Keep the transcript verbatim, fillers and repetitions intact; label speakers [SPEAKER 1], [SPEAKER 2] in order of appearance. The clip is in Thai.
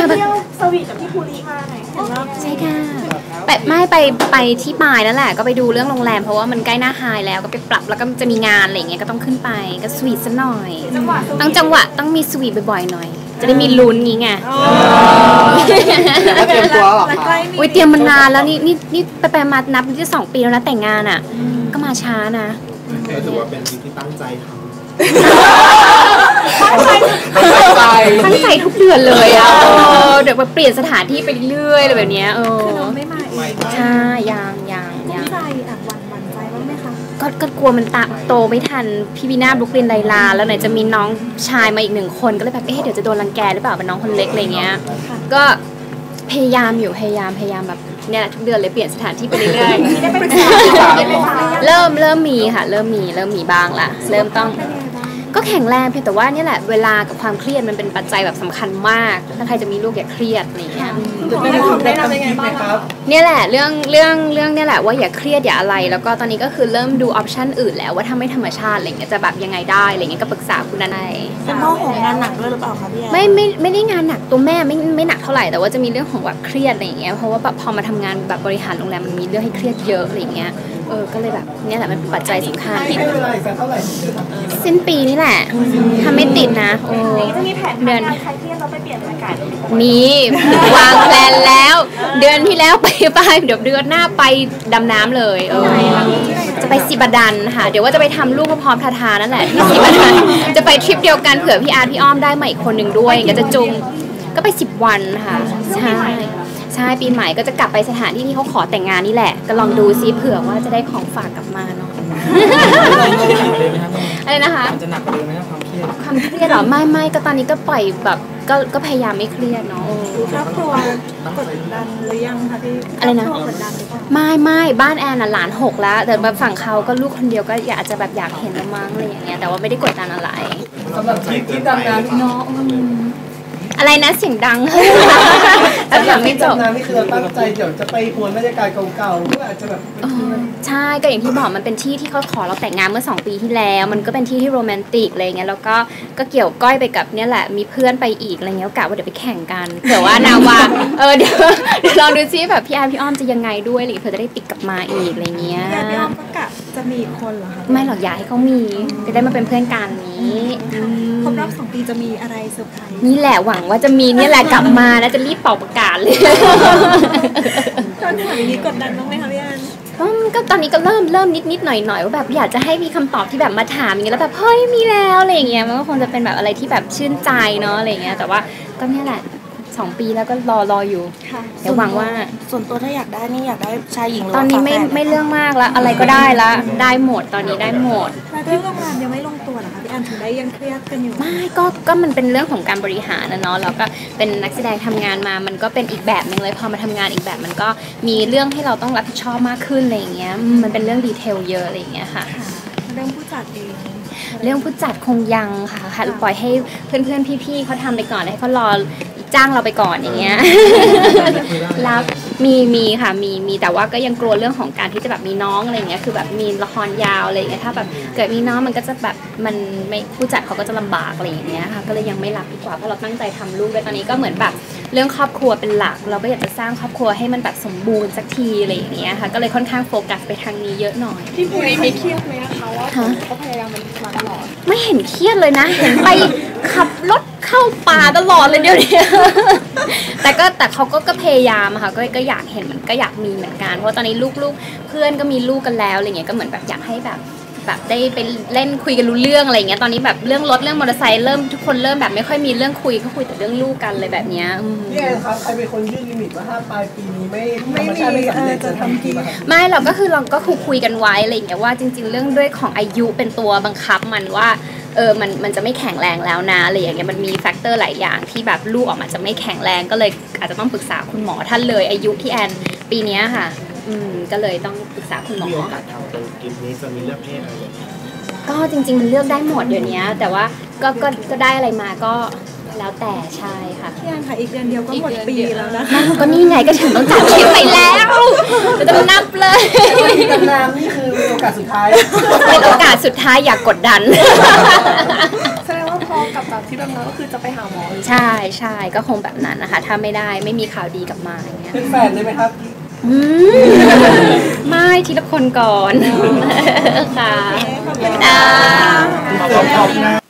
[SPEAKER 1] เที่ยวสวีทกับพี่ภูริมาไหนเห็นว่า
[SPEAKER 2] ใช่ค่ะไปไม่ไปไปที่ปลายนั่นแหละก็ไปดูเรื่องโรงแรมเพราะว่ามันใกล้หน้าไฮแล้วก็ไปปรับแล้วก็จะมีงานอะไรอย่างเงี้ยก็ต้องขึ้นไปก็สวีทซะหน่อยต้องจังหวะต้องมีสวีทบ่อยๆหน่อยจะได้มีลุ้นงี้ไง
[SPEAKER 3] เตรียมตัวหรอคะ
[SPEAKER 2] อุ้ยเตรียมมานานแล้วนี่นี่นี่ไปไปมานับที่สองปีแล้วนะแต่งงานอ่ะก็มาช้านะ
[SPEAKER 3] ถือว่าเป็นสิ่งที่ตั้งใจทำ
[SPEAKER 2] ตั้งใจตั้งใจทุกเดือนเลยอ่ะเดี๋ยวไปเปลี่ยนสถานที่ไปเรื่อยอะไรแบบนี้เออ
[SPEAKER 1] คือน้องไม่มา
[SPEAKER 2] ใช่ยังยัง
[SPEAKER 1] ยังใจอ่ะวันวันใจบ้างไหมคะ
[SPEAKER 2] ก็ก็กลัวมันตาโตไม่ทันพี่บีน่าบลุกลินไลลาแล้วไหนจะมีน้องชายมาอีกหนึ่งคนก็เลยแบบเอ๊ะเดี๋ยวจะโดนรังแกหรือเปล่าเป็นน้องคนเล็กอะไรเงี้ยก็พยายามอยู่พยายามพยายามแบบเนี่ยทุกเดือนเลยเปลี่ยนสถานที่ไปเรื่อยๆเริ่มเริ่มมีค่ะเริ่มมีเริ่มมีบ้างละเริ่มต้องก็แข็งแรงเพียงแต่ว่านี่แหละเวลากับความเครียดมันเป็นปัจจัยแบบสำคัญมากถ้าใครจะมีลูกอย่าเครียดอะไรเงี้ยเนี่ยแหละเรื่องเรื่องเรื่องเนี่ยแหละว่าอย่าเครียดอย่าอะไรแล้วก็ตอนนี้ก็คือเริ่มดูออปชันอื่นแล้วว่าถ้าไม่ธรรมชาติอะไรเงี้ยจะแบบยังไงได้อะไรเงี้ยก็ปรึกษาคุณนาย
[SPEAKER 1] เป็นพ่อของงานหนักด้วยหรือเปล่าคะพี่แอน
[SPEAKER 2] ไม่ไม่ไม่ได้งานหนักตัวแม่ไม่ไม่หนักเท่าไหร่แต่ว่าจะมีเรื่องของแบบเครียดอะไรเงี้ยเพราะว่าแบบพอมาทำงานแบบบริหารโรงแรมมันมีเรื่องให้เครียดเยอะอะไรเงี้ยเออก็เลยแบบเนี่ยแหละมันเป็นปัจจัยสำคัญสิ้นปีนี่แหละถ้าไม่ติดนะโอ้
[SPEAKER 1] จะมีแผนเดือนใครเครียดเราไปเปลี่ยนบรรยากาศ
[SPEAKER 2] มีวางแผนแล้วเดือนที่แล้วไปไปเดี๋ยวเดือนหน้าไปดำน้ำเลยเออจะไปสิบดันค่ะเดี๋ยวว่าจะไปทำลูกพร้อมทาทานั่นแหละที่สิบดันจะไปทริปเดียวกันเผื่อพี่อาร์พี่อ้อมได้มาอีกคนหนึ่งด้วยก็จะจุงก็ไปสิบวันค่ะใช่ใช่ปีใหม่ก็จะกลับไปสถานที่ที่เขาขอแต่งงานนี่แหละก็ลองดูซิเผื่อว่าจะได้ของฝากกลับมาเนาะอะไรนะคะ
[SPEAKER 3] จะหนักกว่าเดิมไหมครับความเครียด
[SPEAKER 2] ความเครียดหรอไม่ไม่ก็ตอนนี้ก็ปล่อยแบบก็ก็พยายามไม่เครียดเนาะ
[SPEAKER 1] ครอบครัวกดดันหรือยังคะพี่
[SPEAKER 2] อะไรนะไม่ไม่บ้านแอนน่ะหลานหกแล้วแต่แบบฝั่งเขาก็ลูกคนเดียวก็อยากจะแบบอยากเห็นมั้งอะไรอย่างเงี้ยแต่ว่าไม่ได้กดดันอะไร
[SPEAKER 3] สำหรับทริปที่ดำน้ำ
[SPEAKER 2] เนาะอะไรนะเสียงดัง
[SPEAKER 3] แล้วแบบไม่จบนะนี่คือเราตั้งใจเดี๋ยวจะไปหวนบรรยากาศเก่าๆเพื่ออาจจะแบบ
[SPEAKER 2] ใช่ก็อย่างที่บอกมันเป็นที่ที่เขาขอเราแต่งงานเมื่อสองปีที่แล้วมันก็เป็นที่ที่โรแมนติกอะไรเงี้ยแล้วก็ก็เกี่ยวก้อยไปกับเนี่ยแหละมีเพื่อนไปอีกอะไรเงี้ยกะว่าเดี๋ยวไปแข่งกันเผื่อว่านาวาเออเดี๋ยวเดี๋ยวลองดูซิแบบพี่อาร์พี่อ้อมจะยังไงด้วยอะไรเผื่อจะได้ติดกลับมาอีกอะไรเงี้ย
[SPEAKER 1] พี่อ้อมก็กะจะมีคนเหรอคะ
[SPEAKER 2] ไม่หรอกอยากให้เขามีจะได้มาเป็นเพื่อนกันนี้
[SPEAKER 1] ครบรอบสองปีจะมีอะไรเซอร์ไพรส์
[SPEAKER 2] นี่แหละหวังว่าจะมีนี่แหละกลับมาแล้วจะรีบเป่าประกาศเลย
[SPEAKER 1] ตอนถามอย่างนี้กดดันบ้างไหมคะพี่แอน
[SPEAKER 2] ก็ตอนนี้ก็เริ่มเริ่มนิดนิดหน่อยหน่อยว่าแบบอยากจะให้มีคำตอบที่แบบมาถามอย่างเงี้ยแล้วแบบเฮ้ยมีแล้วอะไรอย่างเงี้ยมันก็คงจะเป็นแบบอะไรที่แบบชื่นใจเนาะอะไรเงี้ยแต่ว่าก็เนี่ยแหละสองปีแล้วก็รอรออยู่เดี๋ยวหวังว่า
[SPEAKER 1] ส่วนตัวถ้าอยากได้นี่อยากได้ชายหญิง
[SPEAKER 2] ตอนนี้ไม่ไม่เรื่องมากแล้วอะไรก็ได้ละได้หมดตอนนี้ได้หมด
[SPEAKER 1] เรื่องโรงแรมยังไม่ลงตัวเหรอคะพี่แอนถึงได้ยังเครียดกันอยู่
[SPEAKER 2] ไม่ก็ก็มันเป็นเรื่องของการบริหารนะเนาะแล้วก็เป็นนักแสดงทำงานมามันก็เป็นอีกแบบนึงเลยพอมาทำงานอีกแบบมันก็มีเรื่องให้เราต้องรับผิดชอบมากขึ้นอะไรอย่างเงี้ยมันเป็นเรื่องดีเทลเยอะอะไรอย่างเงี้ยค่ะ
[SPEAKER 1] เรื่องผู้จัดเอง
[SPEAKER 2] เรื่องผู้จัดคงยังค่ะค่ะปล่อยให้เพื่อนๆพี่ๆเขาทำไปก่อนให้เขารอจ้างเราไปก่อนอย่างเงี้ยแล้วมีมีค่ะมีมีแต่ว่าก็ยังกลัวเรื่องของการที่จะแบบมีน้องอะไรเงี้ยคือแบบมีละครยาวอะไรเงี้ยถ้าแบบเกิดมีน้องมันก็จะแบบมันไม่ผู้จัดเขาก็จะลำบากอะไรอย่างเงี้ยค่ะก็เลยยังไม่รับดีกว่าเพราะเราตั้งใจทำลูกด้วยตอนนี้ก็เหมือนแบบเรื่องครอบครัวเป็นหลักเราก็อยากจะสร้างครอบครัวให้มันแบบสมบูรณ์สักทีอะไรอย่างเงี้ยค่ะก็เลยค่อนข้างโฟกัสไปทางนี้เยอะหน่อย
[SPEAKER 1] พี่ภูริไม่เครียดไหมคะว่าเขาพยายามมันมาตลอด
[SPEAKER 2] ไม่เห็นเครียดเลยนะเห็นไปขับรถเข้าป่าตลอดเลยเดี๋ยวนี้แต่ก็แต่เขาก็ก็พยายามค่ะก็ก็อยากเห็นมันก็อยากมีเหมือนกันเพราะตอนนี้ลูกๆเพื่อนก็มีลูกกันแล้วอะไรเงี้ยก็เหมือนแบบอยากให้แบบแบบได้ไปเล่นคุยกันรู้เรื่องอะไรเงี้ยตอนนี้แบบเรื่องรถเรื่องมอเตอร์ไซค์เริ่มทุกคนเริ่มแบบไม่ค่อยมีเรื่องคุยก็คุยแต่เรื่องลูกกันเลยแบบเนี้ย
[SPEAKER 3] พี่แอนครับใครเป็นคนยื่นลิมิตว่าถ้าปลายปีนี้ไม่ไม่มีจะทำกี่
[SPEAKER 2] ไม่หรอกก็คือเราก็คุยคุยกันไว้อะไรอย่างเงี้ยว่าจริงๆเรื่องด้วยของอายุเป็นตัวบังคับมันว่าเออมันมันจะไม่แข็งแรงแล้วนะอะไรอย่างเงี้ยมันมีแฟกเตอร์หลายอย่างที่แบบลูกออกมาจะไม่แข็งแรงก็เลยอาจจะต้องปรึกษาคุณหมอท่านเลยอายุพี่แอนปีนี้ค่ะอืมก็เลยต้องปรึกษาคุณหมอ
[SPEAKER 3] กินนี้จะมีเลือกเพศอะไร
[SPEAKER 2] ก็จริงๆมันเลือกได้หมดเดี๋ยวนี้แต่ว่าก็ก็ก็ได้อะไรมาก็แล้วแต่ใช่ค่ะ
[SPEAKER 1] พี่แอนค่ะอีกเดือนเดียวก็หมดปีแล้วนะ
[SPEAKER 2] ก็นี่ไงก็ถึงต้องจัดทริปไปแล้วจะต้องนับเลย
[SPEAKER 3] ดำน้ำนี่คือโอกาสสุดท้าย
[SPEAKER 2] เป็นโอกาสสุดท้ายอย่ากกดดัน
[SPEAKER 1] แสดงว่าพอกับแบบที่แบบนั้นก็คือจะไปหาหมอ
[SPEAKER 2] ใช่ใช่ก็คงแบบนั้นนะคะถ้าไม่ได้ไม่มีข่าวดีกลับมาอย่างเงี้ย
[SPEAKER 3] เป็นแฟนได้ไหมครับ
[SPEAKER 2] อืมไม่ทีละคนก่อนค่ะ
[SPEAKER 1] ขอบคุณ
[SPEAKER 2] อ่า
[SPEAKER 3] ขอบคุณนะ